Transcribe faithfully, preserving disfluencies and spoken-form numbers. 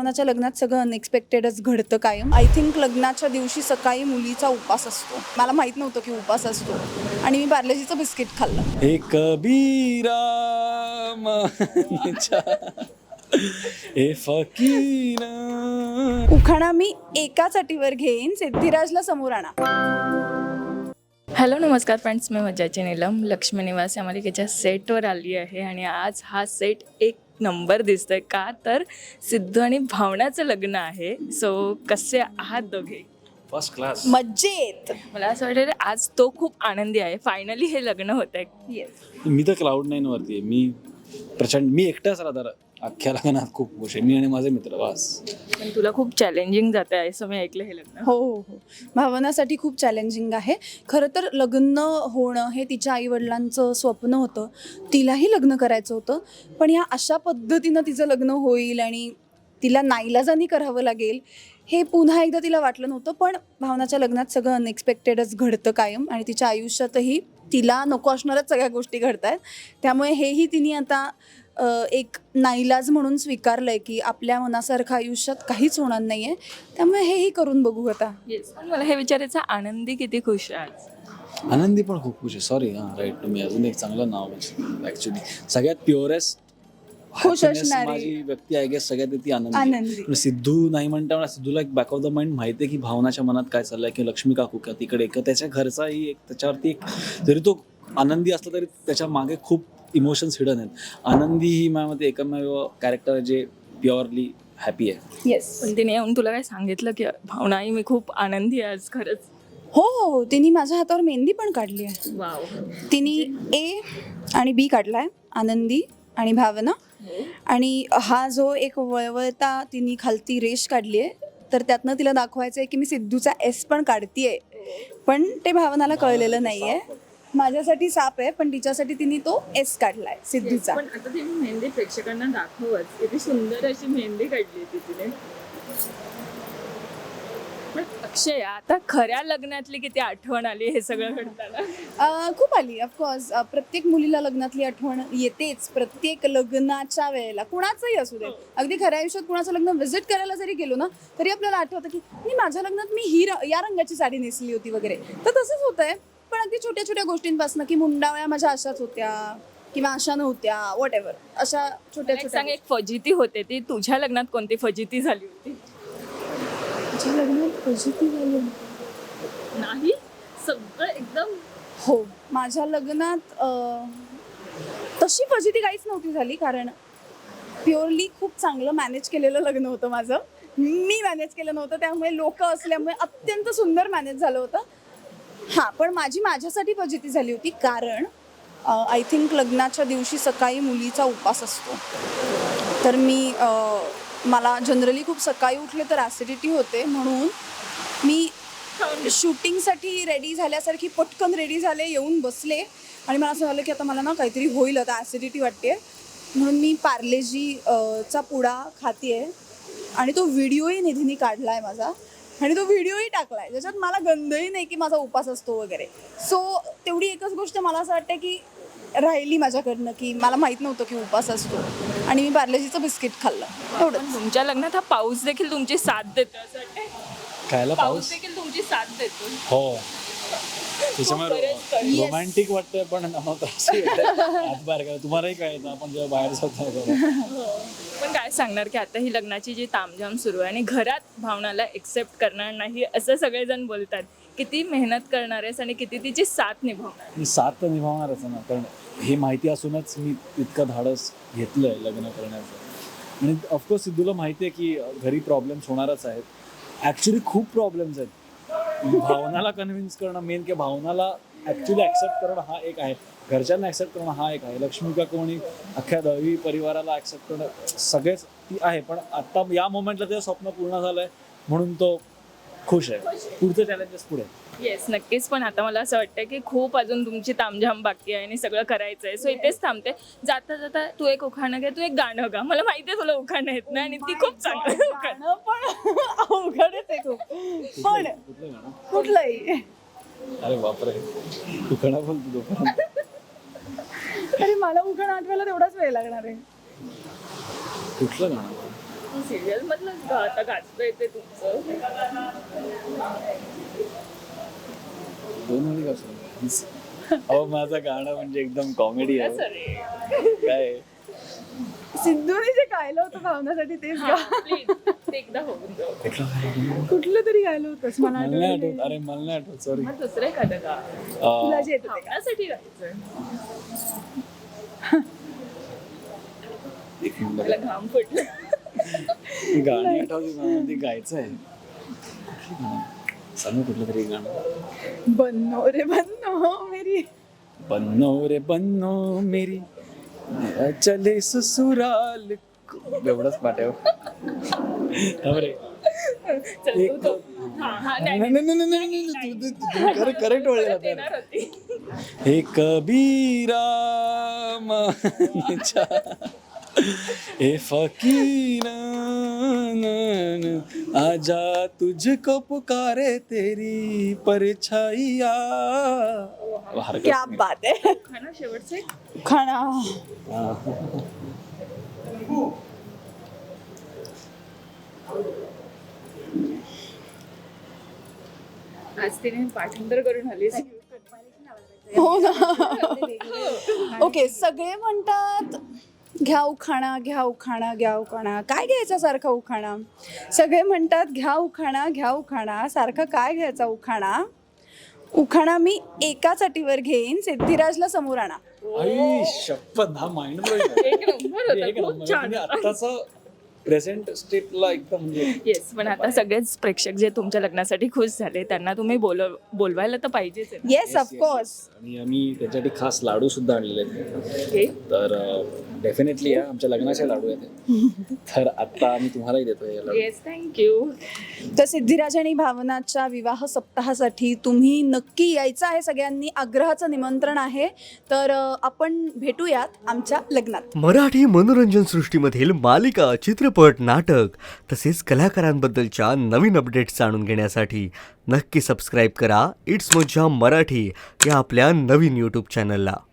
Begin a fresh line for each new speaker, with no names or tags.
भावनाच्या लग्नात सगळं अनएक्सपेक्टेडच घडतं कायम. आय थिंक लग्नाच्या दिवशी सकाळी मुलीचा उपास असतो. मला माहीत नव्हतं की उपास असतो आणि मी पार्लेजीचं बिस्किट खाल्लं.
हे कबीरा माच्या हे फकीरा.
उखाणा मी एकाच अटीवर घेईन, सिद्धिराजला समोर आणा.
हॅलो नमस्कार फ्रेंड्स, मी मज्जाची नीलम लक्ष्मी निवास या मालिकेच्या सेटवर आली आहे आणि आज हा सेट एक नंबर दिसतोय का तर सिद्धू आणि भावनाचं लग्न आहे. सो कसे आहात दोघे?
First class.
मज्जेत.
मला असं वाटतं आज तो खूप आनंदी आहे, फायनली हे लग्न होत आहे.
येस.
मी तर क्लाउड नाईन वरती आहे. मी प्रचंड मी एकटाच राहणार अख्ख्या लग्नात. खूप खुश आहे मी आणि माझे मित्र. बस.
पण तुला खूप चॅलेंजिंग जात आहे असं मी ऐकलं हे लग्न.
हो हो हो भावनासाठी खूप चॅलेंजिंग आहे. खरं तर लग्न होणं हे तिच्या आईवडिलांचं स्वप्न होतं. तिलाही लग्न करायचं होतं, पण या अशा पद्धतीनं तिचं लग्न होईल आणि तिला नाईलाजानी करावं लागेल हे पुन्हा एकदा तिला वाटलं नव्हतं. पण भावनाच्या लग्नात सगळं अनएक्सपेक्टेडच घडतं कायम आणि तिच्या आयुष्यातही तिला नको असणारच सगळ्या गोष्टी घडत आहेत. त्यामुळे हेही तिने आता एक नाईलाज म्हणून स्वीकारलंय की आपल्या मनासारखं आयुष्यात काहीच होणार नाही आहे. त्यामुळे हेही करून बघू आता.
येस, पण मला हे विचारायचं, आनंदी किती खुश आहे आज?
आनंदी पण खूप खुश आहे. सॉरी हां राईट, तुम्ही अजून एक चांगलं नाव ॲक्च्युली सगळ्यात प्युअरेस्ट
खुश असणारी
माझी व्यक्ती आय गेस सगळ्यात ती आनंदी.
आनंदी.
सिद्धू नाही म्हणता मला सिद्धूला एक बॅक ऑफ द माइंड माहिती आहे की भावनाच्या मनात काय चाललंय, की लक्ष्मी काकू का तिकडे का त्याच्या घरचाही एक त्याच्यावरती एक, जरी तो आनंदी असला तरी त्याच्या मागे खूप इमोशन्स हिडन आहेत. आनंदी ही माझ्यामध्ये एकमेव कॅरेक्टर आहे जे प्युअरली हॅपी आहे.
येस.
पण तिने येऊन तुला काय सांगितलं की भावनाई मी खूप आनंदी आहे आज खरंच?
हो हो तिने माझ्या हातावर मेहंदी पण काढली आहे.
वाव.
तिने ए आणि बी काढलाय, आनंदी आणि भावना. आणि हा जो एक वळवळता तिने खालती रेष काढली आहे, तर त्यातनं तिला दाखवायचं आहे की मी सिद्धूचा एस पण काढतीये. पण ते भावनाला कळलेलं नाहीये. माझ्यासाठी साप आहे पण तिच्यासाठी तिने तो एस काढलाय सिद्धूचा.
पण आता ती मेहंदी प्रेक्षकांना दाखवच, किती सुंदर अशी मेहंदी काढली ती तिने. पण अक्षय, आता खऱ्या लग्नातली किती आठवण आली हे सगळं घडताना?
अं, खूप आली ऑफकोर्स. प्रत्येक मुलीला लग्नातली आठवण येतेच प्रत्येक लग्नाच्या वेळेला, कुणाचंही असू दे. अगदी खऱ्या आयुष्यात कुणाचं लग्न व्हिजिट करायला जरी गेलो ना तरी आपल्याला आठवतं की मी माझ्या लग्नात मी ही र- या रंगाची साडी नेसली होती वगैरे. तर तसंच होतंय. पण अगदी छोट्या छोट्या गोष्टींपासून की मुंडावळ्या माझ्या अशाच होत्या किंवा अशा नव्हत्या, वॉट एव्हर, अशा छोट्या
एक
छोट्या.
सांग, एक फजिती होते ती तुझ्या लग्नात कोणती फजिती झाली होती?
माझ्या लग्नात फजिती झाली
नाही, सगळं एकदम.
हो, माझ्या लग्नात अं, तशी फजिती काहीच नव्हती झाली, कारण प्युअरली खूप चांगलं मॅनेज केलेलं लग्न होतं माझं. मी मॅनेज केलं नव्हतं, त्यामुळे लोक असल्यामुळे अत्यंत सुंदर मॅनेज झालं होतं. हां, पण माझी माझ्यासाठी फजिती झाली होती, कारण आय थिंक लग्नाच्या दिवशी सकाळी मुलीचा उपास असतो. तर मी अं, मला जनरली खूप सकाळी उठले तर ॲसिडिटी होते, म्हणून मी शूटिंगसाठी रेडी झाल्यासारखी पटकन रेडी झाले, येऊन बसले आणि मला असं झालं की आता मला ना काहीतरी होईल, आता ॲसिडिटी वाटते. म्हणून मी पार्लेजी चा पुडा खाते आणि तो व्हिडिओही निधीने काढला आहे माझा आणि तो व्हिडिओही टाकला आहे, ज्याच्यात मला गंधही नाही की माझा उपास असतो वगैरे. सो तेवढी एकच गोष्ट मला असं वाटतं की राहिली माझ्याकडनं, की मला माहीत नव्हतं की उपास असतो आणि मी पार्लेजीचं बिस्किट खाल्लं, एवढंच.
पण तुमच्या लग्नात हा पाऊस देखील तुमची साथ देतो असं वाटतंय?
खायला
पाऊस
पाऊस.
देखील तुमची साथ देतो.
हो, त्याच्यामुळे रोमॅन्टिक वाटतंय पण आम्हाला त्रास हात बाहेर करा. तुम्हालाही काय येतं आपण जेव्हा बाहेर जातो.
पण काय सांगणार की आता ही लग्नाची जी तामझाम सुरू आहे आणि घरात भावनाला एक्सेप्ट करणार नाही असं सगळेजण बोलतात. किती मेहनत करणार आहेस आणि किती तिची साथ निभावणार?
मी साथ तर निभावणारच ना, कारण हे माहिती असूनच मी इतकं धाडस घेतलंय लग्न करण्याचं. आणि ऑफकोर्स सिद्धूला माहिती आहे की घरी प्रॉब्लेम्स होणारच आहेत. ॲक्च्युली खूप प्रॉब्लेम्स आहेत. भावनाला कन्व्हिन्स करणं मेन, की भावनाला ॲक्च्युली ॲक्सेप्ट करणं हा एक आहे, घरच्यांना ॲक्सेप्ट करणं हा एक आहे, लक्ष्मी का कोणी अख्ख्या दळवी परिवाराला ॲक्सेप्ट करणं सगळेच ती आहे. पण आत्ता या मोमेंटला ते स्वप्न पूर्ण झालं आहे म्हणून तो खुश आहे. पुढचं चॅलेंजेस पुढे.
येस, नक्कीच. पण आता मला असं वाटतं की खूप अजून तुमची तामझाम बाकी आहे आणि सगळं करायचं आहे. सो इथेच थांबते. जाता जाता तू एक उखाणं घे, तू एक गाणं गा. मला माहिती आहे तुला उखाणं येत नाही आणि ती खूप चांगलं उखाणं.
पण अवघडच आहे खूप. पण
कुठलं गाणं?
कुठलंही.
अरे बापरे, उखाणा बोलतो तोपर्यंत.
अरे मला उखाणं आठवायला तेवढाच वेळ लागणार आहे.
कुठलं गाणं?
सिरियल मधलं गा- आता गाजतंय ते तुमचं.
दोन ओळी कसं अहो माझं गाणं म्हणजे एकदम कॉमेडी आहे
अरे
काय
सिद्धूने जे गायलं होतं भावनासाठी तेच गा.
प्लीज ते एकदा होऊन जाऊ.
कुठलं गाणं?
कुठलं तरी गायलं होतंस मला
मला नाही
आठवलं
आठवत अरे मला नाही आठवत सॉरी
मग दुसरं एखादं गा.
तुला जे येतं ते गा.
भावनासाठी गायचं. मला घाम फुटलं.
गाणी आठवली मला ते गायचं आहे कुठली गाणं? सांग कुठलं तरी गाणं
बन्नो रे बन्नो मेरी
बन्नो रे बन्नो मेरी चले ससुराल को- एवढंच पाठव थांब रे.
चल,
एक
तू तो- हा, हा, नाही,
नाही नाही नाही नाही नाही तू- तू- तू करेक्ट करेक्ट ओळखला तर
येणार होती.
हे कबीरा मानचा हे फकीर आजा तुझको पुकारे तेरी परछाइया हरकत
क्या
नाही.
बात आहे
हा ना शेवटचं एक?
खाना
हा.
आज तिने पाठांतर करून आलीस.
हो ना ओके सगळे म्हणतात घ्या उखाणा घ्या उखाणा घ्या उखाणा काय घ्यायचा सारखा उखाणा सगळे म्हणतात घ्या उखाणा घ्या उखाणा सारखा काय घ्यायचा उखाणा उखाणा मी एकाच अटीवर घेईन सिद्धिराजला समोर आणा
आई शपथ हा माइंड ब्लोइंग
एक नंबर होता,
एक
खूप
नंबर
छान.
म्हणजे आत्ताचं प्रेझेंट स्टेटला एकदम म्हणजे
येस पण आता सगळेच प्रेक्षक जे तुमच्या लग्नासाठी खुश झाले त्यांना तुम्ही बोलव बोलवायला तर पाहिजेच आहे ना.
येस ऑफकोर्स
आणि आम्ही त्याच्यासाठी खास लाडू सुद्धा आणलेले आहेत
हे
तर डेफिनेटली या आमच्या लग्नाचे लाडू आहेत हे. तर आता आम्ही तुम्हालाही देतो हे लाडू
येस थँक्यू.
तर सिद्धिराज आणि भावनाच्या विवाह सप्ताहासाठी तुम्ही नक्की यायचं आहे सगळ्यांनी आग्रहाचं निमंत्रण आहे तर अ, आपण भेटूयात आमच्या लग्नात
मराठी मनोरंजन सृष्टीमधील मालिका चित्रपट नाटक तसेच कलाकारांबद्दलच्या नवीन अपडेट्स जाणून घेण्यासाठी नक्की सबस्क्राईब करा इट्स मज्जा मराठी या आपल्या नवीन यूट्यूब चॅनलला.